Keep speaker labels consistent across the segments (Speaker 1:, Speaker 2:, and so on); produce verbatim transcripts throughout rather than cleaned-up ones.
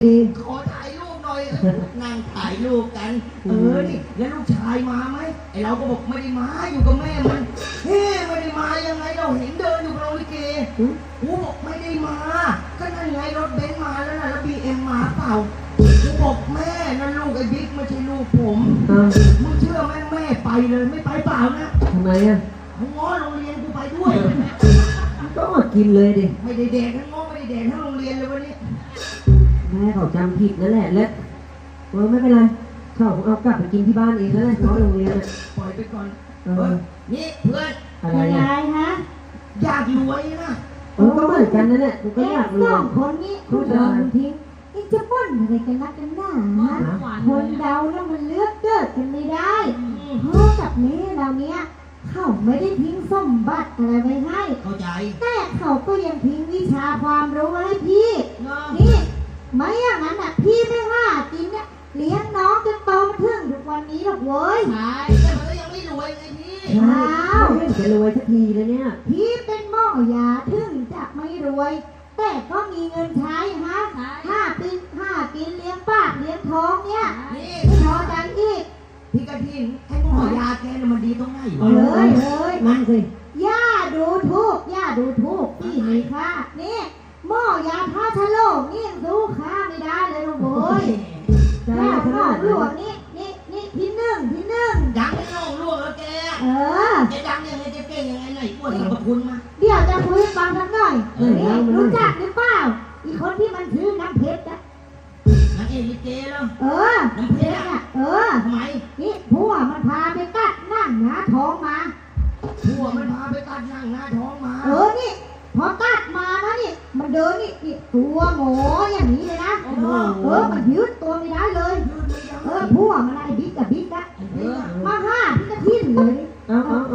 Speaker 1: ขอถ่ายรูปหน่อยนั่งถ่ายรูปกันเออนี่แล้วลูกชายมาไหมไอเราก็บอกไม่ได้มาอยู่กับแม่มันเฮ้ไม่ได้มายังไงเราเห็นเดินอยู่กับโรงลิเกกูบอกไม่ได้มาก็นั่นไงรถเบนซ์มาแล้วนะแล้วบีเอ็มมาเปล่ากูบอกแม่นั่นลูกไอ้บิ๊กไม่ใช่ลูกผมมึงเชื่อไหมแม่ไปเลยไม่ไปเปล่านะ
Speaker 2: ทำไมอ่ะ
Speaker 1: มึงง้อโรงเรียนกูไปด้วย
Speaker 2: ก็มากินเลยดิ
Speaker 1: ไม่ได้แดกทั้งง้อไม่ได้แดกทั้งโรงเรียนเลยวันนี้
Speaker 2: แม่เขาจำผิดนั่นแหละและเออไม่เป็นไรเขาเอากลับไปกินที่บ้านเองแล้วแหละน้องโรงเรียนอ่ะ
Speaker 1: ปล่อยไปก่อนเออนี่เพื่อน
Speaker 2: อะไร
Speaker 3: ฮะ
Speaker 1: อยากรวยนะ
Speaker 2: เออก็เหมือนกันนั่นแหละกูก็อยากรวย
Speaker 3: สองคนนี้คุณเดินทิ้งนี่จะบ่นอะไรกันนักกันหน้าคนเดาแล้วมันเลือกเกิดกันไม่ได้เพราะกับนี้เราเนี้ยเขาไม่ได้ทิ้งสมบัติอะไรไว้ให้
Speaker 1: เข้าใจ
Speaker 3: แต่เขาก็ยังทิ้งวิชาความรู้ให้พี่นี่ไม่อย่างนั้นอ่ะพี่ไม่ว่าจริงเนี่ยเลี้ยงน้องจนโตมาถึงทุกวันนี้หรอกเว้ย
Speaker 1: ใช่แต่มันก็ยังไม่รวยไงพี่
Speaker 3: อ้าว
Speaker 2: จะรวยสักทีแล้วเนี่ย
Speaker 3: พี่เป็นหม้อยาถึงจะไม่รวยแต่ก็มีเงินใช้ฮะห้าปีห้ากินเลี้ยงปากเลี้ยงท้องเนี่ย
Speaker 1: นี่
Speaker 3: พอใจอีก
Speaker 1: พี่กระทิงไอ้หม้อยาแกเนี่ยมันดีตรงไหนวะ
Speaker 3: เลยเลย
Speaker 2: นั่งสิ
Speaker 3: ย่าดูทุกย่าดูทุกพี่นี่ค่ะนี่หม้อยาท่าชะโลกนี่ยังดูค่าไม่ได้เลยลูกโว้ยแล้วหม้อหลวงนี่นี่นี่ที่หนึ่งที่หนึ่ง
Speaker 1: ดังไม่ลงล่วงแล้วแก
Speaker 3: เออ
Speaker 1: แกดังยังไงแกเก่งยังไงไหนปวดสรรพคุณมา
Speaker 3: เดี๋ยวจะคุยฟังสักหน่อยนี่รู้จักหรือเปล่าอีคนที่มันชื่อน้ำเพชรนะ
Speaker 1: นางเอกลิเกเหรอ
Speaker 3: เออ
Speaker 1: น้ำเพชรอ่ะ
Speaker 3: เออ
Speaker 1: ทำไม
Speaker 3: นี่ผัวมันพาไปกัดนั่งหน้าท้องมา
Speaker 1: ผัวมันพาไปกัดนั่งหน้าท้องมา
Speaker 3: เออนี่พอกัดมานะนี่มันเดินนี่นี่ตัวหงออย่างนี้เลยนะเออมันยืดตัวไม่ได้เลยเออผัวมันไอ้บิ๊กกับบิ๊กนะมาห้าพี่กระทิ้นเลย
Speaker 2: เอาเอาเอา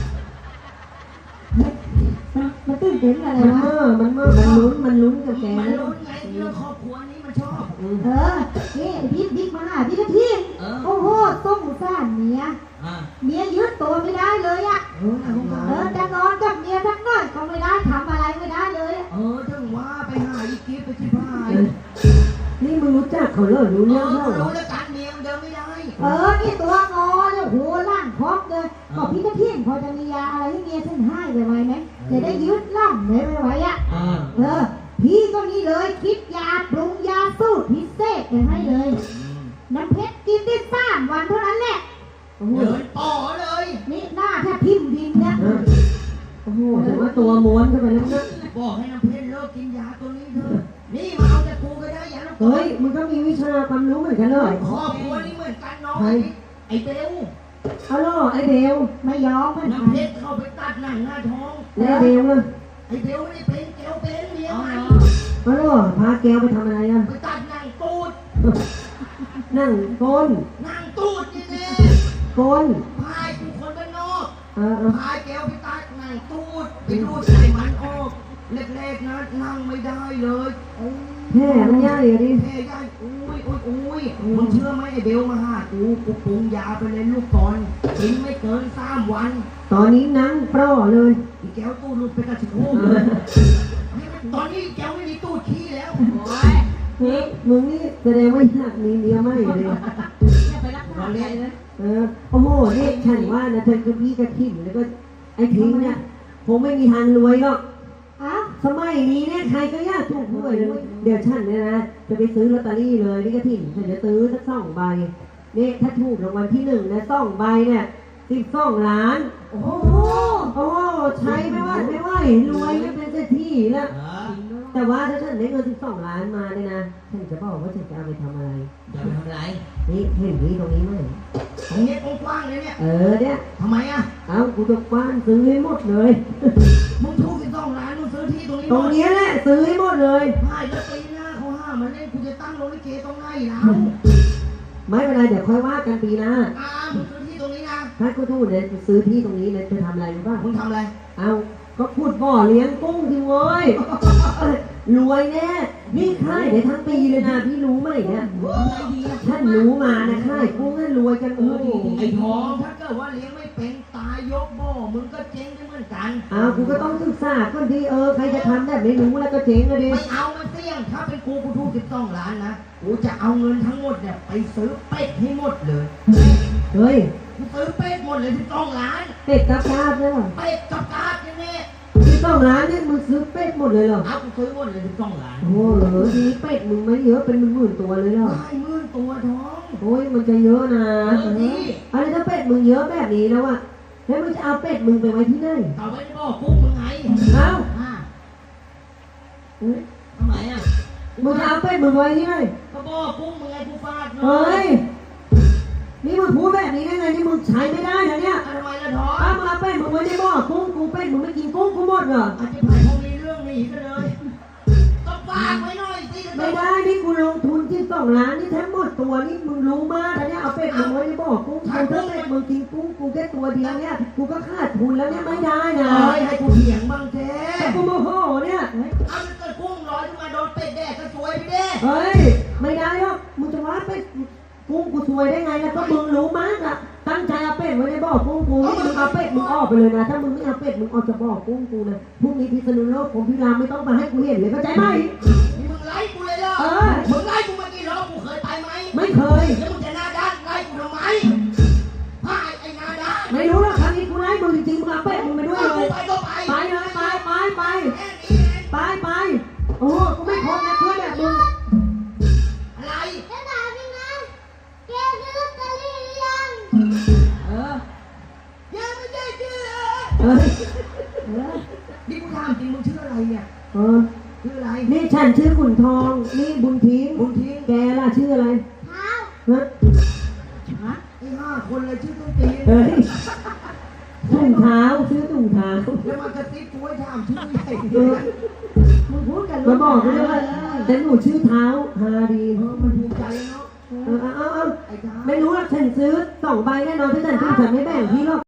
Speaker 3: มันตื่นเต้นอะไรวะ
Speaker 2: เออมันเมื่อมันลุ้นมันลุ้นกับแก
Speaker 1: มันลุ้นไงเรื่องครอบครัวนี้มันชอบ
Speaker 3: เออนี่บิ๊กบิ๊กมาห้าพี่กระทิ้นโอ้โหต้องสร้างเมียเมียยืดตัวไม่ได้เลยอ่ะเออจะนอนกับเมียทั้งน้อยก็ไม่ได้ทำอะไรไม่ได้เลย
Speaker 1: เออถึงว่าไปหาอีกิฟต์ไปที่บ้าน
Speaker 2: นี่มึงรู้จักเขาเหรอรู้เรื่องเขา
Speaker 1: รู้แล้วการเมียมันเดินไม่ได้
Speaker 3: เออนี่ตัวงอเลยโหล่างพร้อมเลยบอกพี่กระเทียมพอจะมียาอะไรให้เมียฉันให้ไว้ไหมจะได้ยืดล่างเลยไม่ไหวอ่ะเออพี่ก็นี่เลยคิดยาปรุงยาสูตรพิเศษไปให้เลยน้ำเพชรกินได้สามวันเท่านั้นแหละ
Speaker 1: เดินต่อเลย
Speaker 3: นี่หน้าแทบพิมพ์ดินเนี่ย
Speaker 2: โอ้โหแต่ว่าตัวม้วนเข้าไปแล้วนะ
Speaker 1: บอกให้น้ำเพชรเลิกกินยาตัวนี้เถอะนี่มาเอาแต่กูก็ได้ยาแล้ว
Speaker 2: เฮ้ยมึงก็มีวิชาความรู้เหมือนกันเลย
Speaker 1: ครอบครัวนี้เหมือนกันน้องไอ้เบล
Speaker 2: เอาล่ะไอ้เบล
Speaker 3: ไม่ยอมมัน
Speaker 1: น้ำเพชรเข้าไปตัดหนังหน้าท้อง
Speaker 2: แล้วเบลล่ะ
Speaker 1: ไอ้เบลไม่ได้เป็นแกวเป็นเมียมัน
Speaker 2: เอาล่ะพาแกวไปทำอะไรอ่ะ
Speaker 1: ไปตัดหนังตูด
Speaker 2: นั่งก้น
Speaker 1: นั่งตูดนี่แน่
Speaker 2: ก้น
Speaker 1: พายกูคนบ้านนอกพายแกวไปตัดหนังตูดไปดูดไขมันออกเล็กๆนะนั่งไม่ได้เลย
Speaker 2: แม่มันยากเลยดิ
Speaker 1: แม่ยากอุ้ยอุ้ยอุ้ยมึงเชื่อไหมไอ้เบลมาหากูกูปรุงยาไปเลยลูกก่อนกินไม่เกินสามวัน
Speaker 2: ตอนนี้นั่งปล้อเลย
Speaker 1: อีแก้วตู้หลุดไปกระชิบโค้งเลยตอนนี้แก้วไม่มีตู้ขี้แล้ว
Speaker 2: เฮ้ยมึงนี่แสดงว่าอยากมีเมียไม่เลย
Speaker 1: เราเล่นนะ
Speaker 2: เออโอ้โหนี่ฉันว่านะเธอกับพี่กระถิ่นแล้วก็ไอ้ทิ้งเนี่ยคงไม่มีทางรวยหรอกสมัยนี้เนี่ยใครก็อยากถูกหวยเลยเดี๋ยวฉันเนี่ยนะจะไปซื้อลอตเตอรี่เลยนี่กระถิ่นฉันจะซื้อสักสองใบนี่ถ้าถูกรางวัลที่หนึ่งนะสองใบเนี่ยสิบสองล้าน
Speaker 3: โอ้โห
Speaker 2: โอ้ใช้ไม่ว่าไม่ไหวรวยไม่เป็นเศรษฐีแล้วแต่ว่าถ้าฉันได้เงินสิบสองล้านมาเนี่ยนะฉันจะบอกว่าฉันจะเอาไปทำอะไร
Speaker 1: จะไปทำอะไร
Speaker 2: นี่เห็นที่ตรงนี้ไหม
Speaker 1: ตรงนี้กว้างเลยเนี่ย
Speaker 2: เออเนี่ย
Speaker 1: ทำไมอ่ะ
Speaker 2: เอ้ากูจะกว้านซื้อให้หมดเลย
Speaker 1: มึงถูกสิบสองล้านมึงซื้อที่ตรงนี้
Speaker 2: ตรงนี้แหละซื้อให้หมดเลย
Speaker 1: ไม่แล้วปีหน้าเขาห้ามมาเล่นกูจะตั้งโรงลิเกตรงไหนล่ะ
Speaker 2: ไม่เป็นไรเดี๋ยวค่อยว่ากันปีหน้า
Speaker 1: อ่ามึงซื้อที่ตรงนี้นะ
Speaker 2: ถ้ากูถูกเนี่ยซื้อที่ตรงนี้เนี่ยจะทำอะไรรู้ป่ะ
Speaker 1: มึงทำอะไร
Speaker 2: เอาก็พูดบ่อเลี้ยงกุ้งทีเว้ยรวยแน่นี่ค่ายเดี๋ยวทั้งปีเลยนะพี่รู้ไหมเนี่ยท่านรู้มานะค่ายกุ้งนั่นรวยกันโอ้
Speaker 1: ไอ้ทองถ้าเกิดว่าเลี้ยงไม่เป็นตายโยยกบ่อมึงก็เจ๊งเหมือนกัน
Speaker 2: อ้าวกูก็ต้องศึกษาก่อนดีเออใครจะทำแบบไม่รู้แล้วก็เจ๊งเลยดิ
Speaker 1: ไม่เอามันเสี่ยงถ้าเป็นกูกูถูกสิบสองล้านนะกูจะเอาเงินทั้งหมดเนี่ยไปซื้อเป็ดให้หมดเลย
Speaker 2: เฮ้ย
Speaker 1: กูซื้อเป็ดหมดเลยสิบสองล้าน
Speaker 2: เป็ดกับกาบเนี่ยเหรอ
Speaker 1: เป็ดกับกาดเนี่ยแน่
Speaker 2: ที่ต้องร้านเนี่ยมึงซื้อเป็ดหมดเลยเหรอ
Speaker 1: เอากูซื้อหมดเลยสิบสองล้าน
Speaker 2: โอ้โหเหรอดีเป็ดมึงไม่เยอะเป็นหมื่นๆตัวเลยเหรอ
Speaker 1: ได้หมื่นตัวท้อง
Speaker 2: โอ้ยมันจะเยอะนะ
Speaker 1: เออดี
Speaker 2: อะไรถ้าเป็ดมึงเยอะแบบนี้แล้วอะแล้วมึงจะเอาเป็ดมึงไปไว้ที่ไหน
Speaker 1: เอาไว้ในบ่อกุ้งมึงไง
Speaker 2: เอ้า
Speaker 1: อ่า
Speaker 2: เฮ้ย
Speaker 1: ทำไมอ่ะ
Speaker 2: มึงจะเอาเป็ดมึงไว้ที่ไหน
Speaker 1: ก็บ่อกุ้งมึงไงกูฟาดหน่อ
Speaker 2: เฮ้ยนี่มึงพูดแบบนี้ได้ไงที่มึงใช้ไม่ได้นะเนี่ย
Speaker 1: เอาทำไมล่ะท้อง
Speaker 2: เอามึงเอาเป็ดมึงไว้ในบ่อกุ้งกูเป็ดมึงไม่กินกุ้งกูหมดเหรอ
Speaker 1: อาจจะผ่านพวกนี้เรื่องหนีกันเลยก็ฝากไว้หน่อยสิ
Speaker 2: ไม่ได้นี่กูลงทุนที่สองล้านนี่แทบหมดตัวนี่มึงรู้มากนะเนี่ยเอาเป็ดมึงไว้ในบ่อกุ้งกูถ้าเป็ดมึงกินกุ้งกูแค่ตัวเดียวเนี่ยกูก็ขาดทุนแล้วเนี่ยไม่ได้นะ
Speaker 1: เอ้ยให้กูเถียงบ้างเจ๊
Speaker 2: แต่กูโมโหเนี่ย
Speaker 1: เอามันเกิดกุ้งร้อยขึ้นมาโดนเป็ดแดกก็สวยไปเด้
Speaker 2: เฮ้ยไม่ได้หรอกมึงจะว่าเป็ดกุ้งกูซวยได้ไงแล้วก็มึงรู้มากอะตั้งใจเอาเป็ดไว้ในบ่อกุ้งกูนี่มึงเอาเป็ดมึงออกไปเลยนะถ้ามึงไม่เอาเป็ดมึงออกจากบ่อกุ้งกูนะพรุ่งนี้พิษณุโลกผมพิรามไม่ต้องมาให้กูเห็นเลยเข้าใจไหม
Speaker 1: นี่มึงไล่กูเลยเหรอ
Speaker 2: เออ
Speaker 1: มึงไล่กูมากี่รอบกูเคยไปไหม
Speaker 2: ไม่เคย
Speaker 1: แล้วมึงจะหน้าด้านไล่กูทำไมพายไอ้หน้าด้าน
Speaker 2: ไม่รู้หรอกครั้งนี้กูไล่มึงจริงๆมึงเอาเป็ดมึงไปด้วย
Speaker 1: เอา
Speaker 2: เล
Speaker 1: กู
Speaker 2: ย
Speaker 1: ไปก็ไป
Speaker 2: ไปเลยไปไปไป
Speaker 1: แค่นี้เอง
Speaker 2: ไปไปโอ้กูไม่ทนนะเพื่อนแบบมึง
Speaker 1: อะไร
Speaker 3: จะถามยังไงแกซื้อลอตเตอรี่หรือยัง
Speaker 1: เออยังไม่ได้ชื่อ
Speaker 2: เอ้ย
Speaker 3: เออ
Speaker 1: นี่กูถามจริงมึงชื่ออะไรเนี่ย
Speaker 2: เออ
Speaker 1: ชื่ออะไร
Speaker 2: นี่ฉันชื่อขุนทองนี่บุญทิ้ง
Speaker 1: บุญทิ้ง
Speaker 2: แกล่ะชื่ออะไร
Speaker 3: เท้า
Speaker 2: ฮะ
Speaker 1: ฮะไอ้ห้าคนเลยชื่อต้นตีน
Speaker 2: เฮ้ยถุงเท้าซื้อถุงเท้า
Speaker 1: แล้วมันกระซิบกูให้ถามชื่อใหญ่
Speaker 2: เออ
Speaker 3: มึงพูดกัน
Speaker 2: มาบอกกูด้วยว่าแต่หนูชื่อเท้าฮาดี
Speaker 1: เออมันภูมิใจเนาะ
Speaker 2: เออเอาเอาเอา
Speaker 1: ไอ้ท้า
Speaker 2: ไม่รู้หรอกฉันซื้อสองใบแน่นอนถ้าฉันซื้อฉันไม่แบ่งพี่หรอก